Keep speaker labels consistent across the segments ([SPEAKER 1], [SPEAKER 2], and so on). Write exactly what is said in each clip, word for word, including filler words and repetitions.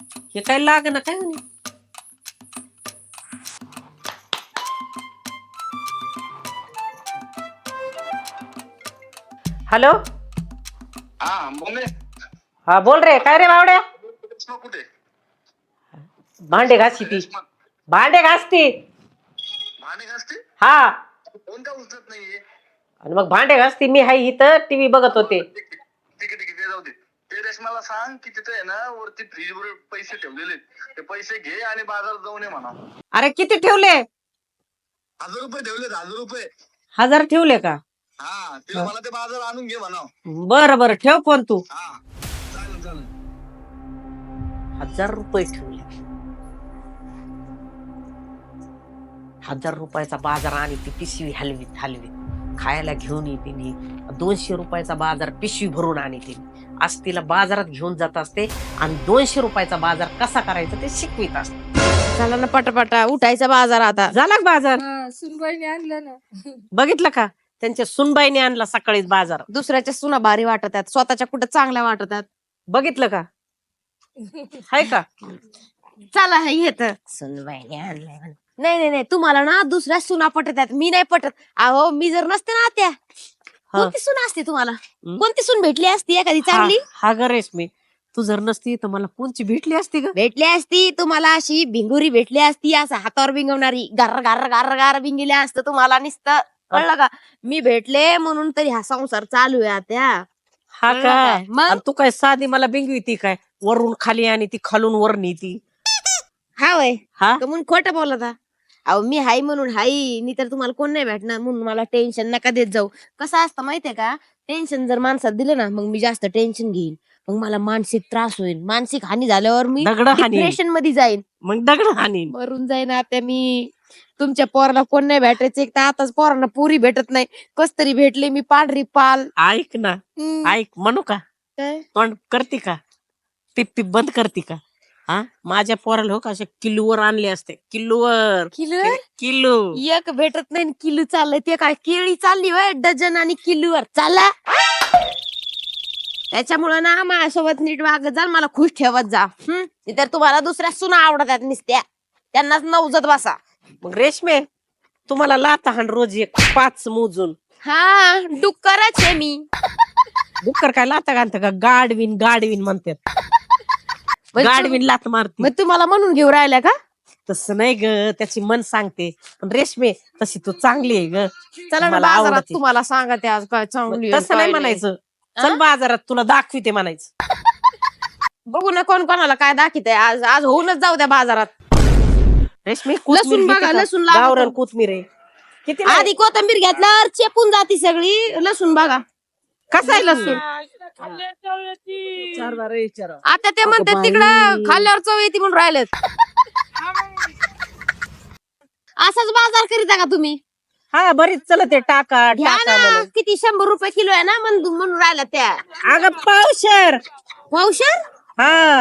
[SPEAKER 1] हे काय लाग ना काय म्हणे. हॅलो
[SPEAKER 2] हा बोल.
[SPEAKER 1] हा बोल रे. काय रे बावड्या?
[SPEAKER 2] कुठे
[SPEAKER 1] भांडे घासी ती भांडे घासती.
[SPEAKER 2] भांडे घासते?
[SPEAKER 1] हा
[SPEAKER 2] कोण का उचलत नाहीये?
[SPEAKER 1] आणि मग भांडे घासती. मी हाय इथं टीव्ही बघत होते.
[SPEAKER 2] ठीक आहे ठीक आहे ते जाऊ दे. ते रेशमाला सांग की तिथे आहे ना वरती फ्रीज वर पैसे ठेवलेले, ते पैसे घे आणि बाजारात जाऊन ये म्हणा.
[SPEAKER 1] अरे किती ठेवले?
[SPEAKER 2] हजार रुपये ठेवलेत, हजार रुपये.
[SPEAKER 1] हजार ठेवले का?
[SPEAKER 2] हा तिला मला ते बाजार आणून घे म्हणा.
[SPEAKER 1] बरं बरं ठेव फोन तू.
[SPEAKER 2] हा चालेल चालेल.
[SPEAKER 1] हजार रुपये ठेवले. हजार रुपयाचा बाजार आणि ती पिशवी हलवीत हलवीत खायला घेऊन येते. नी दोनशे रुपयाचा बाजार पिशवी भरून आणते. आज तिला बाजारात घेऊन जात असते आणि दोनशे रुपयाचा बाजार कसा करायचा ते शिकवित असते.
[SPEAKER 3] चला ना पटापटा उठायचा बाजार आता.
[SPEAKER 1] झाला का बाजार?
[SPEAKER 3] सुनबाईने आणलं ना.
[SPEAKER 1] बघितलं का? त्यांच्या सुनबाईने आणला सकाळीच बाजार.
[SPEAKER 3] दुसऱ्याच्या सुना भारी वाटतात, स्वतःच्या कुठं चांगल्या वाटतात.
[SPEAKER 1] बघितलं का? हाय का?
[SPEAKER 3] चला हे येत सुनबाईने आणलंय. नाही नाही नाही तुम्हाला ना दुसऱ्या सुना पटतात, मी नाही पटत. अहो मी जर नसते ना त्या कोणती सून असते तुम्हाला? कोणती सून भेटली असती एखादी चांगली?
[SPEAKER 1] हा ग रेशमी, तू जर नसती तर मला कोणची भेटली असती ग?
[SPEAKER 3] भेटली असती तुम्हाला अशी भिंगुरी भेटली असती, असं हातावर बिंगवणारी गार गार गार गार बिंगिल्या असतं तुम्हाला नुसतं. कळलं का? मी भेटले म्हणून तरी हा संसार चालू आहे त्या.
[SPEAKER 1] हा काय?
[SPEAKER 3] मग
[SPEAKER 1] तू काय साधी मला बिंगवी ती काय? वरून खाली आणि ती खालून वर नीती.
[SPEAKER 3] हा वय
[SPEAKER 1] हा
[SPEAKER 3] म्हणून खोटं बोलता. अहो मी हाय म्हणून हाई, मी तर तुम्हाला कोण नाही भेटणार म्हणून मला टेन्शन नका देत जाऊ. कसं असतं माहितीये का? टेन्शन जर माणसात दिलं ना मग मी जास्त टेन्शन घेईन, मग मला मानसिक त्रास होईल. मानसिक हानी झाल्यावर मी
[SPEAKER 1] दगड हानी
[SPEAKER 3] डिप्रेशन मध्ये जाईन,
[SPEAKER 1] मग दगड हानी
[SPEAKER 3] मरून जाईन. आता मी तुमच्या पोराला कोण नाही भेटायचं, एक तर आताच पोरांना पुरी भेटत नाही. कस तरी भेटले मी पांढरी पाल.
[SPEAKER 1] ऐक ना, ऐक म्हणू का?
[SPEAKER 3] काय
[SPEAKER 1] तोंड करते का? पिप पिप बंद करते का? हा माझ्या पोराला हो का अशा किलोवर आणले असते. किलोवर
[SPEAKER 3] किलो
[SPEAKER 1] किलो
[SPEAKER 3] एक भेटत नाही किलो चाललंय. ते काय केळी चालली होय डझन आणि किलोवर चालला. त्याच्यामुळं ना माझ्यासोबत नीट वागत जा, मला खुश ठेवत जा. हम्म तर तुम्हाला दुसऱ्या सुना आवडतात नुसत्या, त्यांनाच नवजत बसा.
[SPEAKER 1] मग रेशमे, तुम्हाला लाता हाण रोज एक पाच मोजून.
[SPEAKER 3] हा डुक्करच आहे मी.
[SPEAKER 1] डुक्कर काय लाता घालत का? गाडविन गाडविन म्हणतात. गाडविन लात मारते.
[SPEAKER 3] मग तुम्हाला म्हणून घेऊ राहिल्या का?
[SPEAKER 1] तसं नाही ग, त्याची मन सांगते. पण रेशमे तशी तू चांगली आहे ग.
[SPEAKER 3] चला ना
[SPEAKER 1] मला
[SPEAKER 3] बाजारात
[SPEAKER 1] आवडते.
[SPEAKER 3] तुम्हाला सांगते आज काय चांगली आहे,
[SPEAKER 1] तसं नाही
[SPEAKER 3] काय
[SPEAKER 1] म्हणायचं. चल बाजारात तुला दाखविते म्हणायचं.
[SPEAKER 3] बघू ना कोण कोणाला काय दाखवत आहे. आज आज होऊनच जाऊ द्या बाजारात.
[SPEAKER 1] रेशमी
[SPEAKER 3] लसूण बघा, लसूण लागतं.
[SPEAKER 1] गावरान कोथमीर आहे. किती
[SPEAKER 3] आधी कोथंबीर घेतल्यावर चेपून जाती सगळी. लसूण बघा
[SPEAKER 1] कसा आहे लसूण?
[SPEAKER 3] आता ते म्हणतात तिकडं खाल्ल्यावर चव येते म्हणून राहिलेत. असाच बाजार करीता का तुम्ही?
[SPEAKER 1] हा बरीच चलत आहे. टाका
[SPEAKER 3] घ्या
[SPEAKER 1] टाका
[SPEAKER 3] ना,
[SPEAKER 1] म्हणून.
[SPEAKER 3] किती शंभर रुपये किलो आहे ना म्हणून म्हणून राहिल्या त्या.
[SPEAKER 1] अगं पावशर.
[SPEAKER 3] पावशेर
[SPEAKER 1] हा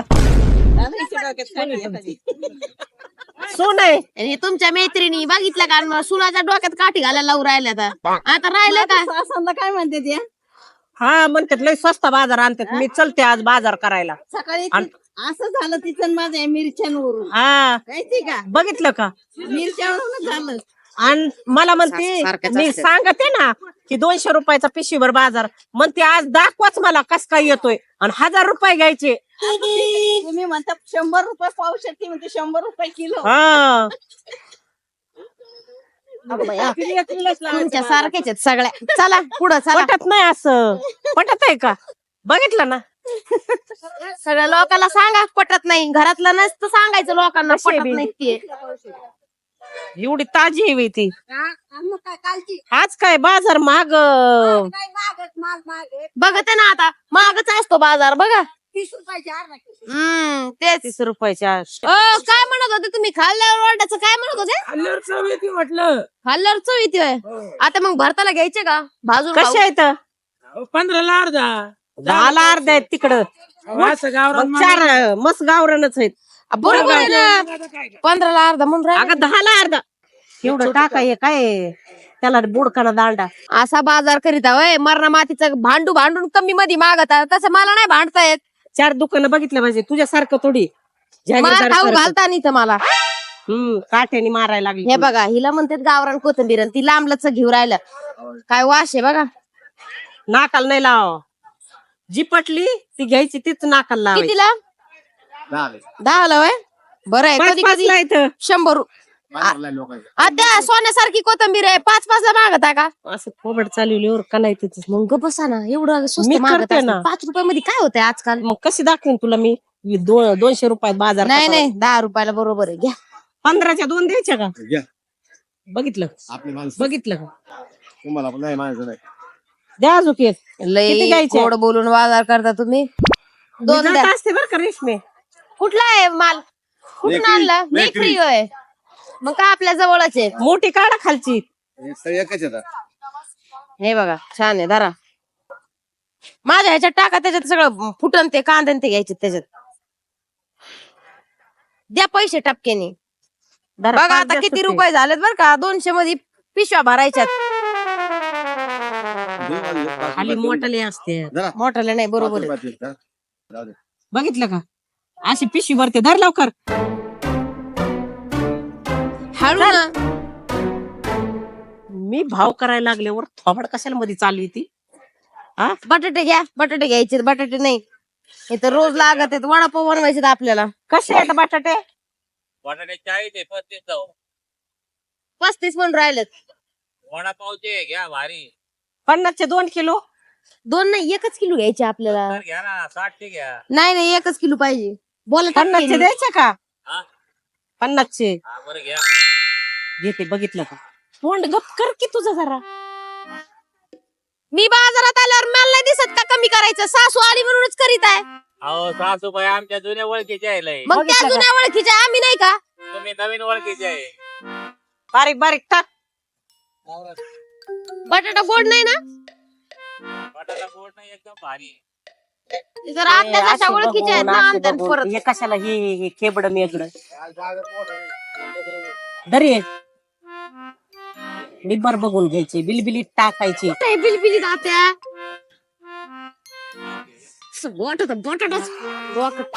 [SPEAKER 1] सोन आहे.
[SPEAKER 3] आणि तुमच्या मैत्रिणी बघितलं का मग सुनाच्या डोक्यात काठी घालायला लावून राहिल्या आता. आता राहिलं का?
[SPEAKER 4] काय म्हणते ते
[SPEAKER 1] हा म्हणतात लय स्वस्त बाजार आणतात. मी चलते आज बाजार करायला.
[SPEAKER 4] सकाळी
[SPEAKER 1] आणि-
[SPEAKER 4] ती- असं झालं तिचं माझ्या मिरच्यांवरून
[SPEAKER 1] हा
[SPEAKER 4] माहिती का?
[SPEAKER 1] बघितलं का?
[SPEAKER 4] मिरच्यावरून झालं.
[SPEAKER 1] आणि मला म्हणते,
[SPEAKER 3] सारखंच
[SPEAKER 1] मी
[SPEAKER 3] असतं.
[SPEAKER 1] सांगते ना की दोनशे रुपयाचा पिशवीभर बाजार. म्हणते आज दाखवाच मला कस काय येतोय. आणि हजार रुपये घ्यायचे.
[SPEAKER 4] तुम्ही म्हणता शंभर रुपये पावशेर, ती म्हणते शंभर रुपये किलो.
[SPEAKER 1] हा
[SPEAKER 3] तुमच्या सारख्याच आहेत सगळ्या. चला पुढं चला.
[SPEAKER 1] पटत नाही असं. पटत आहे का? बघितलं ना?
[SPEAKER 3] सगळ्या लोकांना सांगा पटत नाही. घरातलं नसतं सांगायचं लोकांना
[SPEAKER 1] कशी आहे
[SPEAKER 3] पटत
[SPEAKER 1] बी?
[SPEAKER 3] नाही ते.
[SPEAKER 1] एवढी ताजी आहे ती.
[SPEAKER 4] हा, आणि मग काय कालची
[SPEAKER 1] आज काय बाजार महाग.
[SPEAKER 4] काय मागत माल मागे
[SPEAKER 3] बघत आहे ना आता मागच असतो बाजार बघा.
[SPEAKER 4] तीस रुपयाची अर्धा किलो.
[SPEAKER 3] हम्म तेच.
[SPEAKER 1] तीस रुपयाच्या.
[SPEAKER 3] अ काय म्हणत होते तुम्ही? खाल्ल्यावर ओरडायचं काय म्हणत होते?
[SPEAKER 5] म्हटलं
[SPEAKER 3] खाल्ल्यावर चव येते होय. आता मग भरताला घ्यायचे का भाजून
[SPEAKER 1] कशा आहेत?
[SPEAKER 5] पंधराला अर्धा
[SPEAKER 1] दहाला अर्ध्या आहेत तिकडं.
[SPEAKER 5] असं गावरान
[SPEAKER 1] मग चार मस्त गावरानच आहेत.
[SPEAKER 3] खाऊ? बरोबर आहे ना. पंधराला अर्धा म्हणून राहिलं.
[SPEAKER 1] अगं दहाला अर्धा. एवढं टाकाय काय त्याला बुडकाना दांडा.
[SPEAKER 3] असा बाजार करीता वय मरणा मातीचं भांडू भांडून कमी मध्ये मागत तसं मला नाही भांडता येत.
[SPEAKER 1] चार दुकानं बघितलं पाहिजे तुझ्यासारखं थोडी.
[SPEAKER 3] मार
[SPEAKER 1] जागीरदार
[SPEAKER 3] खाऊ
[SPEAKER 1] सारखं.
[SPEAKER 3] घालता नाही तर मला.
[SPEAKER 1] हम्म काठ्याने मारायला लागली
[SPEAKER 3] हे बघा हिला म्हणतात गावरान कोथिंबीर आणि ती लांबलच घेऊ राहिला. काय वास आहे बघा.
[SPEAKER 1] नाकाला नाही लाव जी पटली ती घ्यायची तीच नाकाला लावायची.
[SPEAKER 3] कितीला? दहा ला वय बरं आहे.
[SPEAKER 1] पाच
[SPEAKER 3] कधी
[SPEAKER 1] पाच
[SPEAKER 3] कधी
[SPEAKER 1] ला इथं
[SPEAKER 3] शंभर रु- आता सोन्यासारखी कोथिंबीर आहे पाच पाच ला मागत आहे का?
[SPEAKER 1] असं फोबड चालवल्यावर का नाही तिथं
[SPEAKER 3] मग गप्प बसा ना एवढं स्वस्त
[SPEAKER 1] मी
[SPEAKER 3] मागत
[SPEAKER 1] करते
[SPEAKER 3] असतात.
[SPEAKER 1] ना.
[SPEAKER 3] पाच रुपयामध्ये काय होतंय आजकाल?
[SPEAKER 1] मग कशी दाखवेन तुला मी दोन दोनशे रुपयात बाजार
[SPEAKER 3] नाही
[SPEAKER 1] कसा
[SPEAKER 3] नाही दहा रुपयाला बरोबर आहे घ्या.
[SPEAKER 1] पंधराच्या दोन द्यायच्या का
[SPEAKER 2] घ्या.
[SPEAKER 1] बघितलं
[SPEAKER 2] आपली माणसं
[SPEAKER 1] बघितलं का
[SPEAKER 2] तुम्हाला पण नाही माणसं नाही.
[SPEAKER 1] द्या अजून एक. किती
[SPEAKER 3] लय
[SPEAKER 1] घ्यायचे?
[SPEAKER 3] गोड बोलून बाजार करता तुम्ही.
[SPEAKER 1] मी
[SPEAKER 3] दोन
[SPEAKER 1] जात
[SPEAKER 3] द्या.
[SPEAKER 1] असते बरं का रेशमे.
[SPEAKER 3] कुठला आहे माल? कुठून
[SPEAKER 2] मेकरी,
[SPEAKER 3] आणला?
[SPEAKER 2] मेकरी.
[SPEAKER 3] मेकरी होय. मग काय आपल्या जवळच आहे.
[SPEAKER 1] मोठी काढा खालची.
[SPEAKER 2] हे सगळे एकच येतात.
[SPEAKER 3] हे बघा छान आहे धरा. माझ्या ह्याच्यात टाका त्याच्यात सगळं फुटन ते कांदे ते घ्यायचे त्याच्यात. द्या पैसे टपक्याने.
[SPEAKER 1] जरा
[SPEAKER 3] बघा
[SPEAKER 1] पाच
[SPEAKER 3] आता
[SPEAKER 1] जास्त
[SPEAKER 3] किती
[SPEAKER 1] ते.
[SPEAKER 3] रुपये झालेत बरं का दोनशे मध्ये पिशव्या भरायच्यात.
[SPEAKER 2] दोन वाजले, पाच
[SPEAKER 1] खाली
[SPEAKER 2] रुपयात
[SPEAKER 1] मोठाले असते
[SPEAKER 2] जरा,
[SPEAKER 3] मोठाले नाही
[SPEAKER 2] पाच
[SPEAKER 3] बरोबर आहे.
[SPEAKER 2] रुपयात येतात. जाऊ दे.
[SPEAKER 1] बघितलं का अशी पिशवी भरते धर लवकर.
[SPEAKER 3] हळू ना.
[SPEAKER 1] मी भाव करायला लागल्यावर थोबड कशाला मध्ये चालली ती हा
[SPEAKER 3] बटाटे घ्या बटाटे घ्यायचे बटाटे नाही हे तर रोज लागत आहेत वडापाव बनवायचे आपल्याला.
[SPEAKER 1] कसे आहेत बटाटे?
[SPEAKER 6] बटाटे चाळीस आहे पस्तीस जाऊ
[SPEAKER 3] पस्तीस पण राहिलेत.
[SPEAKER 6] वडापावचे घ्या भारी
[SPEAKER 1] पन्नासचे दोन किलो.
[SPEAKER 3] दोन नाही एकच किलो घ्यायचे आपल्याला.
[SPEAKER 6] तर घ्या ना साठचे घ्या
[SPEAKER 3] नाही नाही एकच किलो पाहिजे. बोला
[SPEAKER 1] पन्नासचे
[SPEAKER 3] टपक्याने.
[SPEAKER 1] द्यायचे का
[SPEAKER 6] हा?
[SPEAKER 1] पन्नासचे
[SPEAKER 6] हा बरं घ्या
[SPEAKER 1] घेते. बघितलं का तोंड गप कर की तुझं जरा.
[SPEAKER 3] मी बाजारात आल्यावर मला नाही दिसत का कमी करायचं. सासू आली म्हणूनच करीत आहे.
[SPEAKER 6] अहो सासूबाई आमच्या जुन्या ओळखीचे आहे लय.
[SPEAKER 3] मग त्या
[SPEAKER 1] बघितलं का?
[SPEAKER 3] जुन्या ओळखीच्या आम्ही नाही का?
[SPEAKER 6] तुम्ही नवीन ओळखीचे आहे
[SPEAKER 1] बारीक बारीक टाक.
[SPEAKER 3] बटाटा गोड नाही ना?
[SPEAKER 6] बटाटा गोड नाही एकदम भारी
[SPEAKER 3] जर आत्या
[SPEAKER 1] हे
[SPEAKER 3] जशा
[SPEAKER 1] अशी
[SPEAKER 3] ओळखीच्या आहेत
[SPEAKER 1] बघून,
[SPEAKER 3] ना
[SPEAKER 1] अशी
[SPEAKER 3] आणतात
[SPEAKER 1] बघून.
[SPEAKER 3] परत.
[SPEAKER 1] हे कशाला हे हे खेबड मेगड दरी निब्बर बघून घ्यायचे बिलबिलीत टाकायचे.
[SPEAKER 3] काय बिलबिलीत आत्या. असं बटाटा बटाटाच डोकं.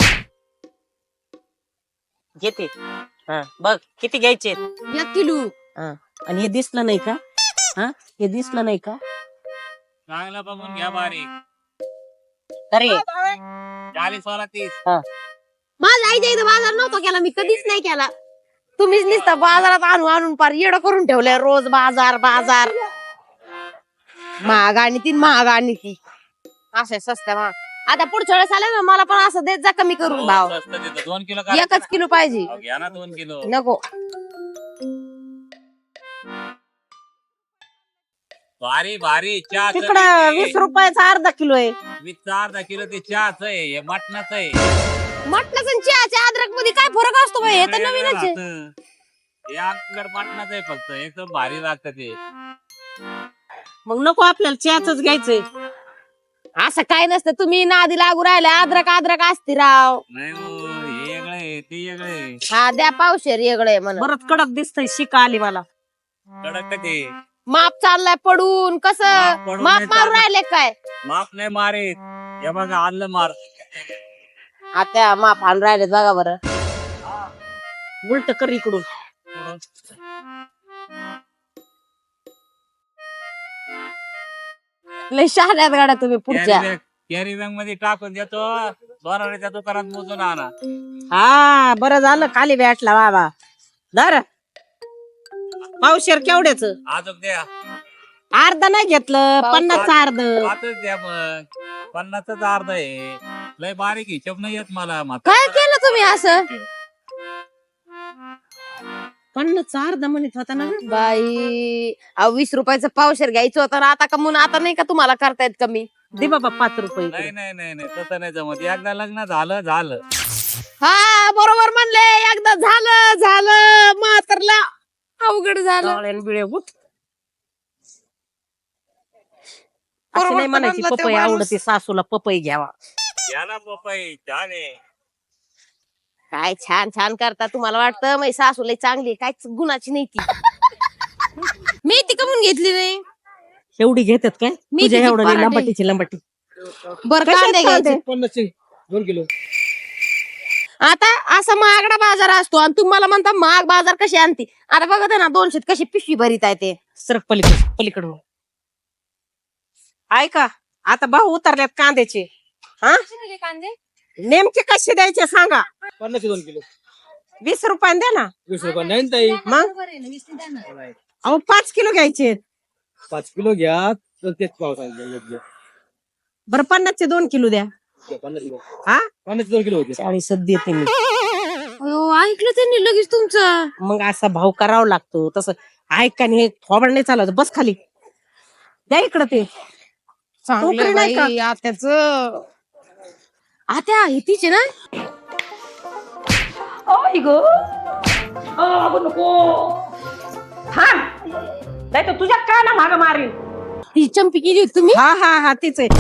[SPEAKER 1] घेते हा बघ किती घ्यायचे.
[SPEAKER 3] एक किलो.
[SPEAKER 1] आणि हे दिसलं नाही का हा हे दिसलं नाही का
[SPEAKER 6] चांगलं बघून घ्या भारी
[SPEAKER 1] अरे
[SPEAKER 6] चाळीस वाला तीस
[SPEAKER 3] माझ्या आईच्या इथं बाजार नव्हता केला मी कधीच नाही केला. तुम्हीच नुसता बाजारात आणून आणून पार येडं करून ठेवलंय. रोज बाजार बाजार महाग आणि ती महाग आणि ती असे सस्त्या महाग. आता पुढच्या वेळेस आले ना मला पण असं देत जा कमी करून भाव.
[SPEAKER 6] स्वस्त देतो दोन किलो करायचं
[SPEAKER 3] एकच किलो पाहिजे
[SPEAKER 6] ना? घ्या ना दोन किलो
[SPEAKER 3] नको.
[SPEAKER 6] भारी भारी चहा
[SPEAKER 1] तिकडं वीस रुपयाचा अर्धा किलो आहे.
[SPEAKER 6] वीस अर्धा किलो ते चहाच आहे हे मटणाच आहे
[SPEAKER 3] मटणाचं आणि चहाच्या अद्रक मध्ये काय फरक असतो बाई? हे तर नवीनच आहे.
[SPEAKER 6] राहतं. हे आमच्याकडे मटणाच आहे फक्त एकदम भारी लागतं ते
[SPEAKER 1] मग नको आपल्याला चहाच घ्यायचंय.
[SPEAKER 3] असं काय नसतं तुम्ही नादी लागू राहिले. अद्रक अद्रक असते राव.
[SPEAKER 6] नाही हो, हे वेगळं आहे ते वेगळं आहे
[SPEAKER 3] हा द्या पावशेर वेगळे म्हणा.
[SPEAKER 1] बरंच कडक दिसतंय शिका आली मला.
[SPEAKER 6] कडक का ते
[SPEAKER 3] माप चाललाय पडून कसं
[SPEAKER 6] माप पडून
[SPEAKER 3] माप
[SPEAKER 6] नाही
[SPEAKER 3] मारू
[SPEAKER 6] चालत.
[SPEAKER 3] राहिले काय?
[SPEAKER 6] माफ नाही मारे हे बघा आणलं मार
[SPEAKER 3] आता माप आणून राहिलेत बघा बरं.
[SPEAKER 1] उलट कर इकडून.
[SPEAKER 3] लय शहाण्यात गाड्या तुम्ही पुढच्या.
[SPEAKER 6] कॅरी बॅग मध्ये टाकून देतो बरोबरच्या दुकानात मोजून आणा
[SPEAKER 1] हा बरं झालं खाली भेटला बाबा. धर पावशेर केवढ्याच
[SPEAKER 6] अजून द्या
[SPEAKER 1] अर्ध नाही घेतलं पन्नास अर्ध.
[SPEAKER 6] पाचच द्या मग पन्नासच अर्ध आहे लय बारीक हिशोब नाही येत मला मात्र.
[SPEAKER 3] काय केलं तुम्ही असं?
[SPEAKER 1] पन्नास अर्ध म्हणत होता ना.
[SPEAKER 3] बाई अहो वीस रुपयाचं पावशेर घ्यायचं होतं ना आता का म्हणून आता नाही का तुम्हाला करतायत कमी?
[SPEAKER 1] दे बाबा पाच रुपये
[SPEAKER 6] नाही
[SPEAKER 1] इकडे.
[SPEAKER 6] नाही नाही नाही तसं नाही जमत एकदा लग्न झालं झालं
[SPEAKER 3] हा बरोबर म्हणले एकदा झालं झालं म्हातारला अवघड झालं.
[SPEAKER 1] डोळ्यान बिळे उठ.
[SPEAKER 3] बरोबर
[SPEAKER 1] असं नाही म्हणायची
[SPEAKER 3] म्हणला तो
[SPEAKER 1] पपई
[SPEAKER 3] माणूस.
[SPEAKER 1] आवडते सासूला पपई घ्यावा.
[SPEAKER 6] याला पपई छान आहे
[SPEAKER 3] काय छान छान करता. तुम्हाला वाटतं मै सासू लय चांगली आहे. काहीच गुणाची नाही ती. मी ती कमून घेतली नाही.
[SPEAKER 1] एवढी घेतात काय
[SPEAKER 3] मी
[SPEAKER 1] तुझ्या
[SPEAKER 3] किती
[SPEAKER 1] एवढं
[SPEAKER 3] पराठे?
[SPEAKER 1] लंबाटीची लंबाटी.
[SPEAKER 3] बरं
[SPEAKER 1] कशात
[SPEAKER 3] कांदे
[SPEAKER 1] कांदे?
[SPEAKER 3] घ्यायचे.
[SPEAKER 5] पन्नासचे दोन किलो.
[SPEAKER 3] आता असा महागडा बाजार असतो आणि तुम्हाला म्हणता महाग बाजार कशी आणते. आता बघत आहे ना दोनशे कशी पिशवी भरीत आहे ते.
[SPEAKER 1] सरक पलीकडे पलीकडे ऐका आता भाऊ उतरल्यात कांद्याचे. हा
[SPEAKER 3] कांदे
[SPEAKER 1] नेमके कसे द्यायचे सांगा.
[SPEAKER 5] पन्नास दोन किलो
[SPEAKER 1] वीस रुपयाने द्या ना.
[SPEAKER 5] वीस रुपये नाही ताई.
[SPEAKER 1] मग अहो पाच किलो घ्यायचे.
[SPEAKER 5] पाच किलो घ्या तर तेच पाव सांगितलं.
[SPEAKER 1] बरं पन्नासचे दोन किलो द्या.
[SPEAKER 5] पन्नास किलो
[SPEAKER 1] हा
[SPEAKER 5] पन्नास दोन किलो होते.
[SPEAKER 1] चाळीस देते मी.
[SPEAKER 3] अयो, ऐकलं त्यांनी लगेच तुमचं.
[SPEAKER 1] मग असा भाव करावा लागतो तसं. ऐका नाही थोबड नाही चालत. बस खाली द्या इकडं ते.
[SPEAKER 3] चांगलं
[SPEAKER 1] टोकरी नाही
[SPEAKER 3] बाई, आत्याच आत्या हे तिचे ना.
[SPEAKER 1] नाही तर तुझ्या काना माग मारीन.
[SPEAKER 3] ती चंपी केली होती तुम्ही.
[SPEAKER 1] हा हा हा तीच आहे.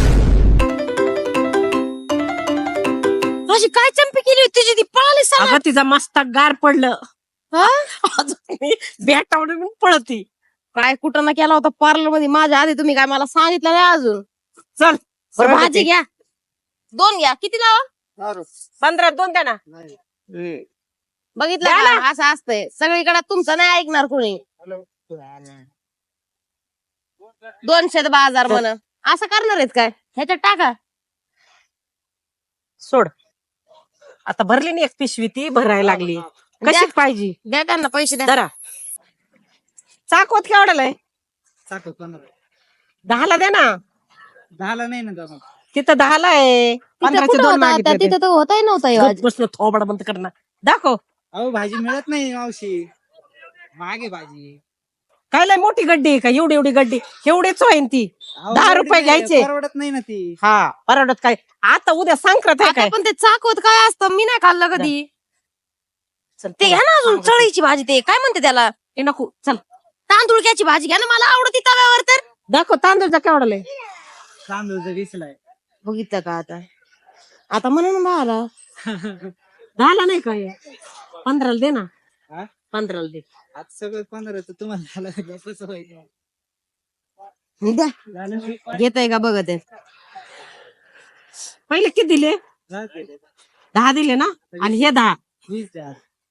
[SPEAKER 3] अशी काय चंपी केली होती तिची. ती पळाली सांगा.
[SPEAKER 1] अगं तिचा मस्त गार पडलं.
[SPEAKER 3] हा?
[SPEAKER 1] अजून मी बॅटावरून पळती.
[SPEAKER 3] काय कुठं ना केला होता पार्लर मध्ये माझ्या आधी. तुम्ही काय मला सांगितलं नाही अजून.
[SPEAKER 1] चल
[SPEAKER 3] बरं, भाजी घ्या दोन घ्या. किती लावा.
[SPEAKER 1] पंधरा दोन द्या ना.
[SPEAKER 3] बघितलं
[SPEAKER 1] द्या
[SPEAKER 3] का असं असतंय सगळीकडे. तुमचं नाही ऐकणार कोणी. दोनशे बाजार म्हण असं करणार आहेत काय. ह्याच्यात टाका.
[SPEAKER 1] सोड आता भरली नाही एक पिशवी ती भरायला लागली.
[SPEAKER 3] द्या.
[SPEAKER 1] कशी पाहिजे
[SPEAKER 3] द्या त्यांना पैसे द्या.
[SPEAKER 1] जरा. चाकवत केवढ्याला आहे. दहाला द्या ना.
[SPEAKER 5] दहाला नाही ना.
[SPEAKER 1] तिथं दहाला आहे.
[SPEAKER 3] तिथं
[SPEAKER 1] पंधराचे
[SPEAKER 3] कुठं
[SPEAKER 1] दोन
[SPEAKER 3] होता आता?
[SPEAKER 1] मागितले
[SPEAKER 3] तिथं तर होताही नव्हता.
[SPEAKER 1] बसलो थोबड बंद करणार. दाखव
[SPEAKER 5] अहो भाजी मिळत नाही मावशी. मागे भाजी
[SPEAKER 1] काय लय मोठी गड्डी आहे का. एवढी एवढी गड्डी एवढीच होईन ती. दहा रुपये घ्यायचे.
[SPEAKER 5] परवडत नाही ना ती.
[SPEAKER 1] हा परवडत काय. आता उद्या संक्रांत आहे काय.
[SPEAKER 3] पण ते चाकवत काय असतं मी नाही खाल्लं कधी.
[SPEAKER 1] चल
[SPEAKER 3] ते घ्या ना अजून चळीची भाजी. ते काय म्हणते त्याला.
[SPEAKER 1] ए नको चल
[SPEAKER 3] तांदूळक्याची भाजी घ्या ना. मला आवडती तव्यावर तर.
[SPEAKER 1] दाखव तांदूळचा केवढा आहे.
[SPEAKER 5] तांदूळ वीसला आहे.
[SPEAKER 3] बघितलं का आता. आता म्हणून मला
[SPEAKER 1] दहाला नाही काय. पंधराला दे ना.
[SPEAKER 5] हा?
[SPEAKER 1] पंधराला दे.
[SPEAKER 5] आज सगळं पंधरा तर तुम्हाला झालं कसं व्हायचं.
[SPEAKER 3] द्या घेताय का बघत आहे.
[SPEAKER 1] पहिले किती दिले. दहा दिले ना. आणि हे दहा
[SPEAKER 5] वीस द्या.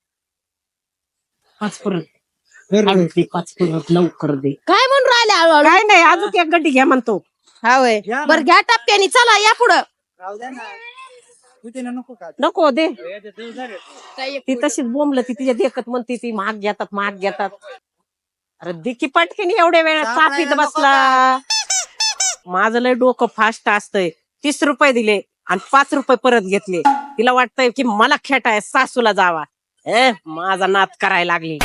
[SPEAKER 1] पाच परत पाच परत लवकर दे.
[SPEAKER 3] काय म्हणून राहिले हळूहळू.
[SPEAKER 1] काय नाही अजून एक गड्डी घ्या म्हणतो.
[SPEAKER 3] हा वय
[SPEAKER 5] या
[SPEAKER 3] बर घ्या टप्प्यानी. चला या पुढं.
[SPEAKER 5] राहू द्या ना. होते ना नको का.
[SPEAKER 1] नको दे.
[SPEAKER 3] काय
[SPEAKER 1] ती तशीच बोंबल ती तिच्या देखत म्हणते ती महाग घेतात महाग घेतात. अरे दिकी पटकीन एवढ्या वेळा चापीत बसला. माझं लय डोकं फास्ट असतंय. तीस रुपये दिले आणि पाच रुपये परत घेतले. तिला वाटतंय की मला खेटाय सासूला जावा. ए माझा नाद करायला लागली.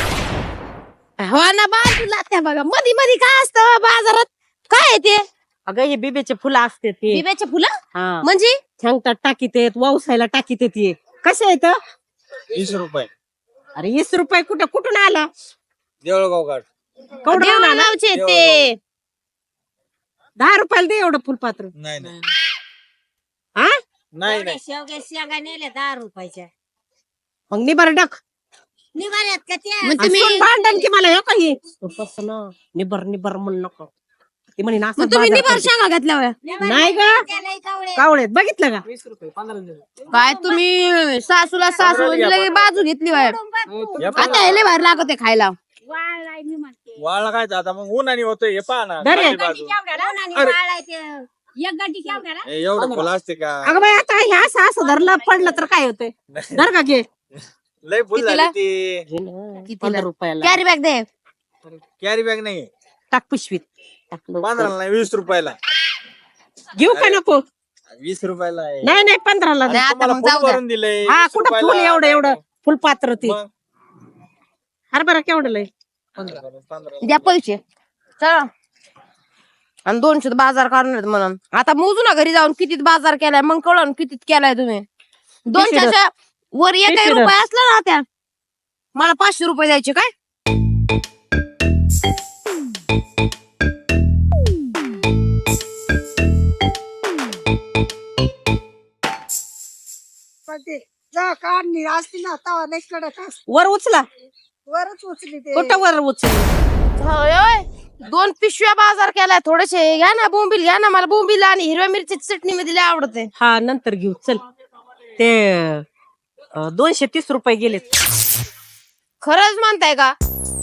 [SPEAKER 3] हो ना बाजूला त्या बघा मधी मधी काय असतं बाजारात. काय आहे ते.
[SPEAKER 1] अगं हे बिबेचे फुलं असते ते.
[SPEAKER 3] बिब्याचे फुलं
[SPEAKER 1] हा
[SPEAKER 3] म्हणजे.
[SPEAKER 1] छांगतात टाकीत येत वावसायला टाकीत येते. कसे आहेत.
[SPEAKER 5] वीस रुपये.
[SPEAKER 1] अरे वीस रुपये कुठं कुठून आला.
[SPEAKER 5] देवळगाव घाट.
[SPEAKER 1] कवडं आला.
[SPEAKER 3] देवळगावचे ते.
[SPEAKER 1] दहा रुपयाला दे एवढं फुलपात्र.
[SPEAKER 5] नाही नाही
[SPEAKER 1] हा
[SPEAKER 5] नाही नाही.
[SPEAKER 4] शेवग्या शेंगा नेल्या दहा रुपयाच्या.
[SPEAKER 1] मग निबर डक.
[SPEAKER 4] निघाल्यात का त्या.
[SPEAKER 3] मग तुम्ही
[SPEAKER 1] भांडण की मला हे काही तसं ना निबर निबर म्हणून नको. ती म्हणे नासा
[SPEAKER 3] मग तुम्ही
[SPEAKER 1] बाजार
[SPEAKER 3] निभार
[SPEAKER 1] करते.
[SPEAKER 3] सांगा घातल्या वया.
[SPEAKER 1] नाही ग
[SPEAKER 4] त्याला कावळे.
[SPEAKER 1] कावळेत बघितलं का.
[SPEAKER 5] वीस रुपये पंधरा.
[SPEAKER 3] काय तुम्ही सासूला सासू लगे बाजू घेतली वय. आता यायला बाहेर लागत खायला.
[SPEAKER 4] वाळलाय मी म्हणते.
[SPEAKER 7] वाळला काय आता मग उन्हाने होतोय हे पहा ना.
[SPEAKER 1] धरे.
[SPEAKER 7] खाली बाजू.
[SPEAKER 4] उन्हाने वाळलाय ते. एक गड्डी केवढ्याला.
[SPEAKER 7] हे एवढं फुल असते का.
[SPEAKER 1] अगं बाई आता हे असं असं धरलं पडलं तर काय होतंय. धर का घे.
[SPEAKER 7] लय फुल
[SPEAKER 3] कितीला?
[SPEAKER 7] झाली ती.
[SPEAKER 3] कितीला?
[SPEAKER 1] पंधरा रुपयाला
[SPEAKER 3] कॅरी बॅग दे.
[SPEAKER 7] कॅरी बॅग नाही.
[SPEAKER 1] टाक पिशवीत टाक लवकर.
[SPEAKER 7] पंधराला नाही वीस रुपयाला.
[SPEAKER 1] घेऊ का नको.
[SPEAKER 7] वीस रुपयाला आहे.
[SPEAKER 1] नाही नाही पंधराला दे.
[SPEAKER 3] नाही, आता
[SPEAKER 7] तुम्हाला
[SPEAKER 3] मग
[SPEAKER 7] फुल
[SPEAKER 3] जाऊ द्या.
[SPEAKER 7] भरून दिलंय.
[SPEAKER 1] हा
[SPEAKER 7] वीस
[SPEAKER 1] कुठं फुल
[SPEAKER 7] रुपयाला.
[SPEAKER 1] एवढं एवढं फुलपात्र ती.
[SPEAKER 7] मग
[SPEAKER 1] हरभरा केवढं लय.
[SPEAKER 7] पंधरा.
[SPEAKER 3] द्या पैसे. चला आणि दोनशे बाजार करणार म्हणून. आता मोजू ना घरी जाऊन कितीत बाजार केलाय. मग कळण कितीत केलाय तुम्ही. दोनशेच्या वर एक
[SPEAKER 1] किती
[SPEAKER 3] रुपये असला ना त्या मला पाचशे रुपये द्यायचे काय.
[SPEAKER 4] असती ना तवा नाही कडक असती.
[SPEAKER 1] वर उचला.
[SPEAKER 4] वरच उचली ते.
[SPEAKER 1] कुठं वर उचल.
[SPEAKER 3] होय, होय. दोन पिशव्या बाजार केलाय. थोडेसे घ्या ना बोंबील घ्या ना. मला बोंबील आणि हिरव्या मिरची चटणी मध्ये लय आवडते.
[SPEAKER 1] हा नंतर घेऊ चल. ते अं, दोनशे तीस रुपये गेलेत.
[SPEAKER 3] खरंच म्हणताय का?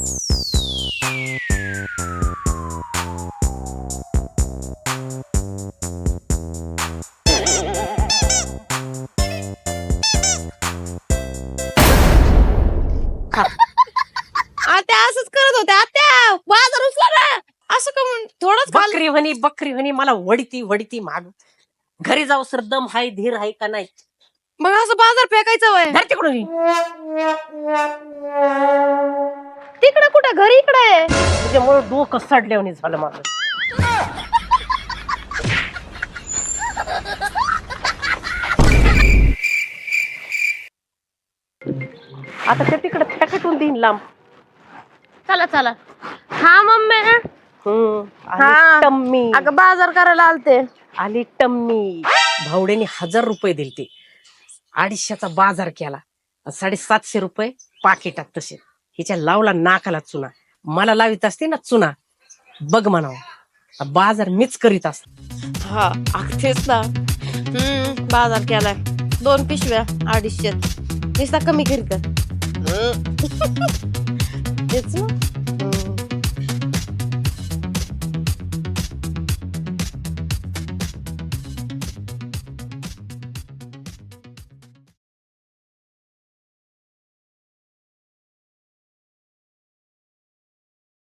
[SPEAKER 3] आत्या असंच करत होत्या. आत्या बाजार उचला ना. असं का म्हणून थोडंच खाल्लं.
[SPEAKER 1] बकरी म्हणी बकरी म्हणी मला वडती वडती माग. घरी जाऊ सर दम हाय धीर हाय का नाही.
[SPEAKER 3] मग असं बाजार फेकायचं वय
[SPEAKER 1] धर तिकडून.
[SPEAKER 3] तिकडे कुठं घरी इकडे
[SPEAKER 1] त्याच्यामुळे डोकं सडल्यावानी झालं माझं. आता ते तिकडे पॅकेटून देईन लांब.
[SPEAKER 3] चला चला. हा मम्मी.
[SPEAKER 1] हम्म,
[SPEAKER 3] हा.
[SPEAKER 1] आली टम्मी
[SPEAKER 3] अगं बाजार करायला आलते.
[SPEAKER 1] आली टम्मी. भावड्याने हजार रुपये दिलते. अडीचशेचा बाजार केला. साडेसातशे रुपये पाकिटात तसे. हिच्या लावला नाकाला चुना. मला लावित असते ना चुना बघ म्हणावं. बाजार मीच करीत असत.
[SPEAKER 3] हा अगदीच ना. हम्म बाजार केलाय. दोन पिशव्या अडीचशे. नुसता कमी करीत तेच ना.